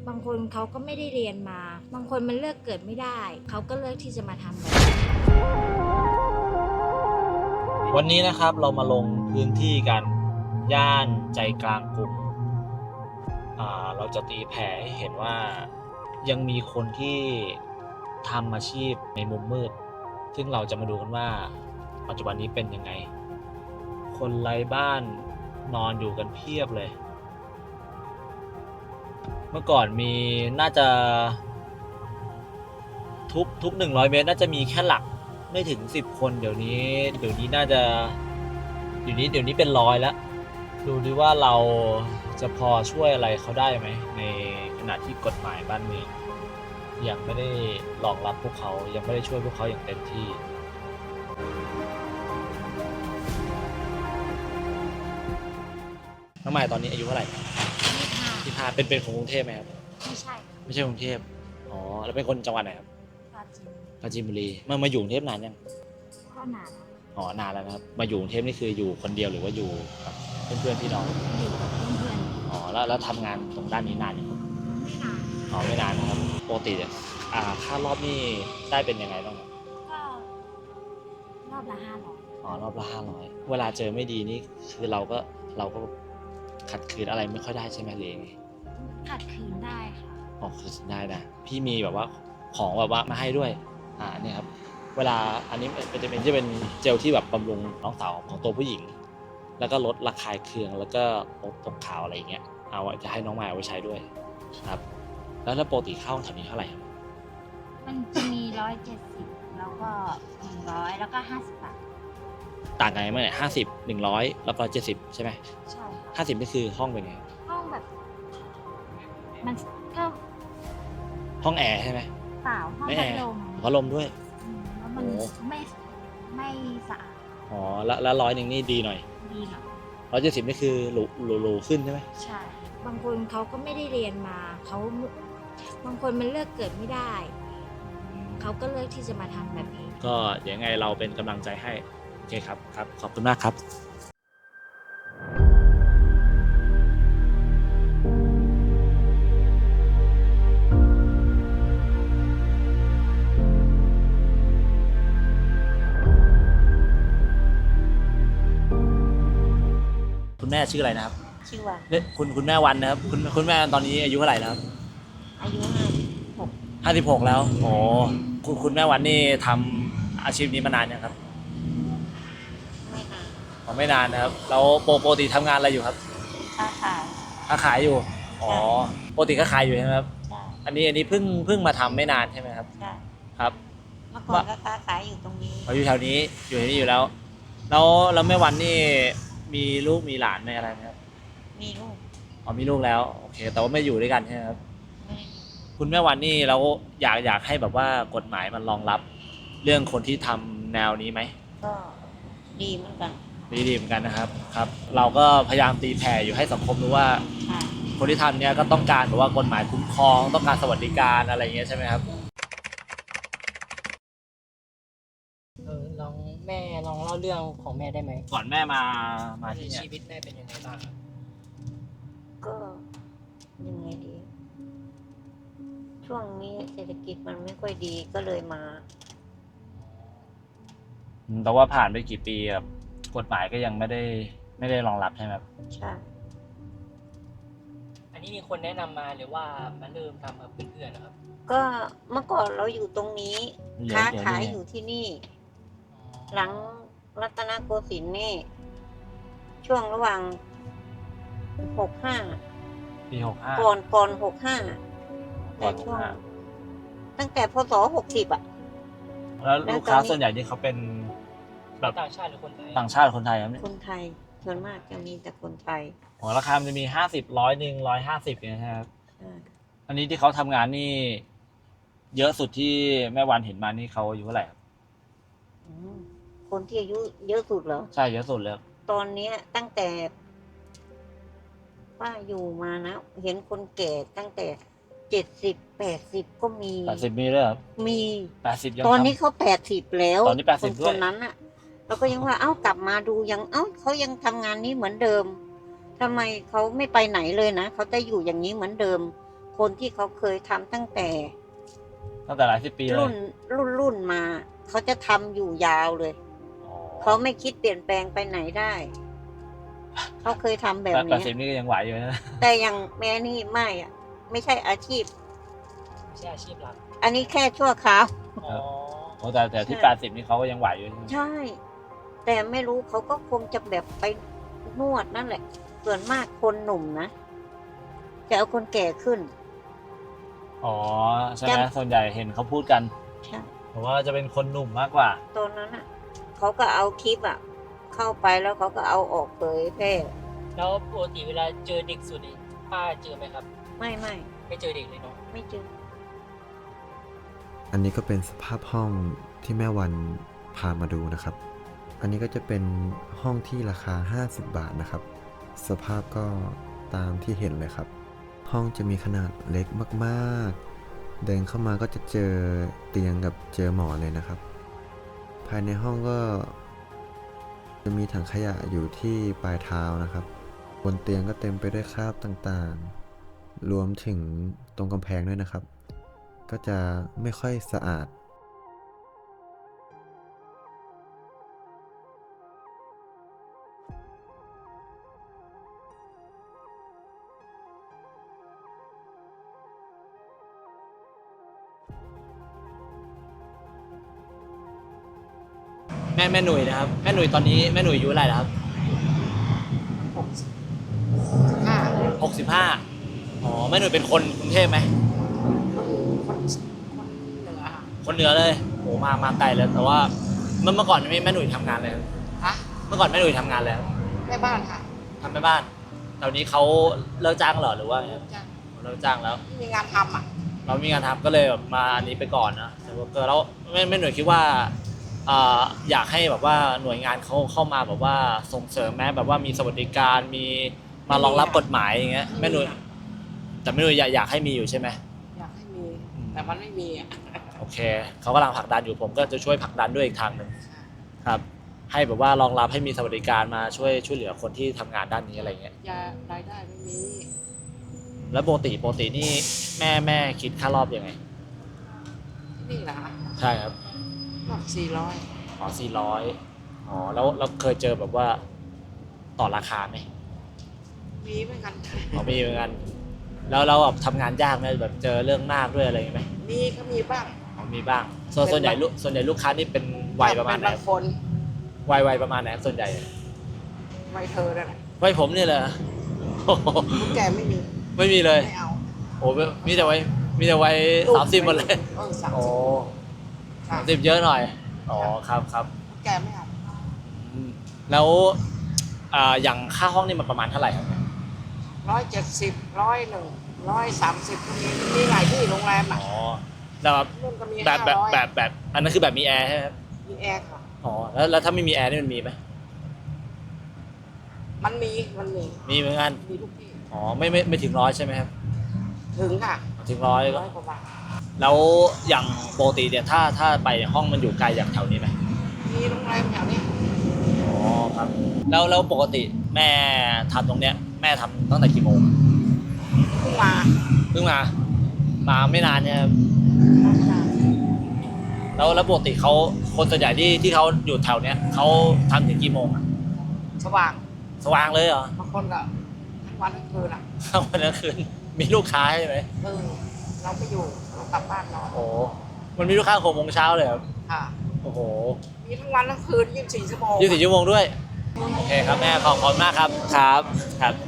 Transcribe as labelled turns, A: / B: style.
A: บางคนเขาก็ไม่ได้เรียนมา บางคนมันเลือกเกิดไม่ได้เขาก็เลือกที่จะมาทำแบบนี้
B: วันนี้นะครับเรามาลงพื้นที่กันย่านใจกลางกรุงเราจะตีแผ่ให้เห็นว่ายังมีคนที่ทำอาชีพในมุมมืดซึ่งเราจะมาดูกันว่าปัจจุบันนี้เป็นยังไงคนไร้บ้านนอนอยู่กันเพียบเลยเมื่อก่อนมีน่าจะทุก100 เมตรน่าจะมีแค่หลักไม่ถึง10 คนเดี๋ยวนี้น่าจะเดี๋ยวนี้เป็นร้อยแล้วดูดิว่าเราจะพอช่วยอะไรเขาได้ไหมในขณะที่กฎหมายบ้านเมืองยังไม่ได้รองรับพวกเขายังไม่ได้ช่วยพวกเขาอย่างเต็มที่น้องใหม่ตอนนี้อายุเท่าไหร่ที่พาเป็นของกรุงเทพไหมครับ
A: ไม่ใช่
B: กรุงเทพอ๋อแล้วเป็นคนจังหวัดไหนครับปราจีนบุรีมาอยู่กรุงเทพนานยัง
A: ก็นาน
B: อ๋อนานแล้วนะครับมาอยู่กรุงเทพนี่คืออยู่คนเดียวหรือว่าอยู่กับเพื่อนพี่น้อง
A: อยู่กับเพื่อน
B: อ๋อแล้วทำงานตรงด้านนี้นานยัง
A: ไม่นาน
B: อ๋อไม่นานนะครับปกติค่ารอบนี่ได้เป็นยังไงบ้างครับ
A: ก็รอบละ500
B: อ๋อรอบละ500เวลาเจอไม่ดีนี่คือเราก็ขัดขืนอะไรไม่ค่อยได้ใช่ไหมเลยไง
A: ขัดขืนได้ค่ะ
B: อ๋อคือได้นะพี่มีแบบว่าของแบบว่ามาให้ด้วยเนี่ยครับเวลาอันนี้จะเป็นเจลที่แบบบำรุงน้องสาวของตัวผู้หญิงแล้วก็ลดระคายเคืองแล้วก็ลดตกขาวอะไรอย่างเงี้ยเอาจะให้น้องมายเอาไว้ใช้ด้วยครับแล้วปกติเข้าแถวนี้เท่าไหร่ครับ
A: มันจะมี170แล้วก็100แล้วก็50 บาท
B: ต่างกันไหมเนี่ย50 100แล้วก็70ใช่ไหม
A: ใช่
B: 50นี่คือห้องเป็นไง
A: ห้องแบบมันก็
B: ห้องแอร์ใช่ไหม
A: เปล่าห้องพัดลม
B: พัดลมด้วย
A: แล้วมันไม่สะอาด
B: อ๋อแล้ว100นี่ดีหน่อย
A: ดีหน่อย
B: 170นี่คือหรูขึ้นใช่ไหม
A: ใช่บางคนเขาก็ไม่ได้เรียนมาบางคนมันเลือกเกิดไม่ได้เขาก็เลือกที่จะมาทำแบบนี้
B: ก็ยังไงเราเป็นกำลังใจให้โอเคครับขอบคุณมากครับคุณแม่ชื่ออะไรนะครับ
A: ชื่อว่า
B: คุณแม่วันนะครับคุณแม่ตอนนี้อายุเท่าไหร่แล้ว
A: อายุ
B: 56แล้วโอ้คุณแม่วันนี่ทำอาชีพนี้มานานยังครับไม่นานนะครับแล้วปกติทำงานอะไรอยู่ครับ
A: ค้า
B: ขายอยู่อ๋อปกติก็ขายอยู่ใช่ไหมครับ
A: ใช่
B: อันนี้เพิ่งมาทำไม่นานใช่ไหมครับ
A: ใช่
B: ครับ
A: เมื่อก่อนก็ค้าขายอยู่ตรงนี้
B: อยู่แถวนี้อยู่แล้วแม่วันนี่มีลูกมีหลานไหมอะไรไหมครับ
A: มีลูก
B: อ๋อมีลูกแล้วโอเคแต่ว่าไม่อยู่ด้วยกันใช่ไหมครับคุณแม่วันนี่เราอยากให้แบบว่ากฎหมายมันรองรับเรื่องคนที่ทำแนวนี้ไหม
A: ก็ดีเหมือนกัน
B: ดีเหมือนกันนะครับเราก็พยายามตีแผ่อยู่ให้สังคมรู้ว่าคนที่ทำเนี้ยก็ต้องการแบบว่ากฎหมายคุ้มครองต้องการสวัสดิการอะไรอย่างเงี้ยใช่ไหมครับ
C: ลองเล่าเรื่องของแม่ได้ไหม
B: ก่อนแม่มาที่
C: ชีวิตแม่เป็นยังไงบ้าง
A: ก็ยังไงดีช่วงนี้เศรษฐกิจมันไม่ค่อยดีก็เลยมา
B: แต่ว่าผ่านไปกี่ปีครับกฎหมายก็ยังไม่ได้รองรับใช่ไหมครับ
A: ใช่
C: อันนี้มีคนแนะนำมาหรือว่ามาเริ่มทำกับเพื่อนๆนะครับ
A: ก็เมื่อก่อนเราอยู่ตรงนี้ค้าขายอยู่ที่นี่หลังรัตนโกสินทร์นี่ช่วงระหว่าง
B: ปี65
A: ก่อน65แต่ช่วงตั้งแต่พศ60อ่ะ
B: แล้วลูกค้าส่วนใหญ่นี่เขาเป็นแบบ
C: ต่างชาติหรือคนไทย
B: ต่างชาติคนไทยครับเนี่ย
A: คนไทยส่วนมากจะมีแต่คนไทย
B: อ๋อราคามันจะมี50 100 150เนี่ยนะครับอันนี้ที่เขาทำงานนี่เยอะสุดที่แม่วันเห็นมานี่เขาอายุเท่าไหร่ครับ
A: คนที่อายุเยอะสุดเหรอ
B: ใช่เยอะสุดเลย
A: ตอนนี้ตั้งแต่ป้าอยู่มานะเห็นคนแก่ตั้งแต่70 80ก็มี
B: 80มีเลยครับ
A: มี
B: 80ยัง
A: ตอนนี้เขา80แล้ว
B: ตอนนี้80
A: คนนั้นน่ะเราก็ยังว่ากลับมาดูยังเขายังทำงานนี้เหมือนเดิมทำไมเขาไม่ไปไหนเลยนะเขาจะอยู่อย่างนี้เหมือนเดิมคนที่เขาเคยทำตั้งแต่
B: ตั้งแต่หลายสิบปีเลย
A: รุ่นมาเขาจะทำอยู่ยาวเลย
B: อ๋อ
A: เขาไม่คิดเปลี่ยนแปลงไปไหนได้ เขาเคยทำแบบ
B: แต่
A: นี้
B: สิบนี่ก็ยังไหวอยู่นะ
A: แต่อย่างแม่นี่ไม่อ่ะ ไม่ใช่อาชีพ
C: ไม่ใช่อาชีพหลัก
A: อันนี้แค่ชั่วคราว
C: อ๋อ
B: โอ้แต่ที่
A: ใช่
B: 80นี่เขาก็ยังไหวอยู่ใช่ไหม
A: ใช่ แต่ไม่รู้เขาก็คงจะแบบไปนวดนั่นแหละ ส่วนมากคนหนุ่มนะ จะเอาคนแก่ขึ้น
B: อ๋อใช่ไหม
A: จำ
B: ส่วนใหญ่เห็นเขาพูดกัน
A: ใช่
B: ผมว่าจะเป็นคนหนุ่มมากกว่า
A: ตอนนั้นอ่ะเขาก็เอาคลิปอ่ะ เข้าไปแล้วเขาก็เอาออกเผยแพร่
C: แล้วปกติเวลาเจอเด็กสุดนี่ป้าเจอไหมครับ
A: ไม่
C: ไม่เจอเด็กเลยเนาะ
A: ไม่เจอ
D: อันนี้ก็เป็นสภาพห้องที่แม่วันพามาดูนะครับ อันนี้ก็จะเป็นห้องที่ราคา50 บาทนะครับ สภาพก็ตามที่เห็นเลยครับ ห้องจะมีขนาดเล็กมากๆ เดินเข้ามาก็จะเจอเตียงกับเจอหมอนเลยนะครับ ภายในห้องก็จะมีถังขยะอยู่ที่ปลายเท้านะครับ บนเตียงก็เต็มไปด้วยคราบต่างๆ รวมถึงตรงกำแพงด้วยนะครับ ก็จะไม่ค่อยสะอาด
B: แม่หนุ่ยนะครับแม่หนุ่ยตอนนี้แม่หนุ่ยอายุอะไรแล้วครับ 65อ๋อแม่หนุ่ยเป็นคนกรุงเทพไหมคนเหนือเลยโอ้มาไกลเลยแต่ว่าเมื่อก่อนแม่หนุ่ยทำงานเลย
E: ฮะ
B: เมื่อก่อนแม่หนุ่ยทำงานแล้ว
E: แม่บ้านค่ะ
B: ทำแม่บ้านตอนนี้เขาเลิกจ้างเหรอหรือว่าไง
E: จ้าง
B: เลิกจ้างแล้ว
E: ไม่มีงานทำอ่ะ
B: เรามีงานทำก็เลยแบบมาอันนี้ไปก่อนนะแต่ว่าก็แล้วแม่หน่วยคิดว่าอยากให้แบบว่าหน่วยงานเขาเข้ามาแบบว่าส่งเสริมแม้แบบว่ามีสวัสดิการมีมารองรับกฎหมายอย่างเงี้ยแม่หน่วยแต่แม่หน่วยอยากให้มีอยู่ใช่ไหม
E: อยากให้มี แต่มันไม่มีอ่ะ
B: โอเคเขากำลังผลักดันอยู่ผมก็จะช่วยผลักดันด้วยอีกทางหนึ่งครับให้แบบว่ารองรับให้มีสวัสดิการมาช่วยเหลือคนที่ทำงานด้านนี้อะไรเงี้ย
E: ยารายได้ไม่มี
B: แล้วปกตินี่แม่คิดค่ารอบยังไง
E: ที่นี่เหรอคะ
B: ใช่ครับ
E: รอบ400
B: อ๋อ400อ๋อแล้วเราเคยเจอแบบว่าต่อราคาไหม
E: มีเหมือนกัน
B: อ๋อมีเหมือนกันแล้วเราแบบทำงานยากไหมแบบเจอเรื่องมากด้วยอะไรอย่างงี้ไหม
E: มีก็มีบ้าง
B: อ๋อมีบ้างส่วนใหญ่ลูกค้านี่เป็นวัยประมาณไหน
E: เป็นบางคน
B: วัยประมาณไหนส่วนใหญ่
E: วัยเธอนั่นแหละ
B: วัยผมนี่แหละโอ้โห
E: คนแก่ไม่มี
B: ไม่มีเลย
E: ไม่เอา
B: โอ้โหมีแต่วัย30หมดเลย
E: 30
B: โอ้
E: ค่ะ
B: 30เยอะหน่อยอ๋อครับ
E: คนแก่ไม่เอา
B: อืมแล้วอย่างค่าห้องนี่มันประมาณเท่าไหร่ครับ
E: 170 101 130ก็มีหลายที่โรงแรมอ่ะ
B: อ๋อแล้วแบบ
E: นู่นก็มี
B: แบบ
E: 500
B: อันนั้นคือแบบมีแอร์ใช่ไหมครับ
E: มีแอร์ค่ะ
B: อ๋อแล้วถ้าไม่มีแอร์นี่มันมีไหม
E: มันมี
B: มีเหมือนกัน
E: มีทุกที่
B: อ๋อไม่ถึง100ใช่ไหมครับ
E: ถึงค่ะ
B: ถึง100ก็
E: 100 กว่าบาท
B: แล้วอย่างปกติเนี่ยถ้าไปห้องมันอยู่ไกลจากแถวนี้ไหม
E: มีโรงแรมแถวนี้
B: อ๋อครับแล้วปกติแม่ทำตรงเนี้ยแม่ทำตั้งแต่กี่โมง
E: เพิ่งมา
B: เพิ่งมาไม่นานเนี่ยครับแล้วปกติเขาคนส่วนใหญ่ที่เขาอยู่แถวเนี้ยเขาทำถึงกี่โมงอะ
E: สว่าง
B: สว่างเลยเหรอบ
E: างคนก็ทั้งวันทั้งคืนอ่ะ
B: วันกลางคืนมีลูกค้าใช่ไหม
E: เราไม่อยู่เรากลับบ้านนอน
B: โอ้มันมีลูกค้า6 โมงเช้าเลยครับ
E: ค่ะ
B: โอ้โห
E: มีทั้งวันทั้งคืน24 ชั่วโมง
B: 24 ชั่วโมงด้วยโอเคครับแม่ขอบคุณมากครับครับ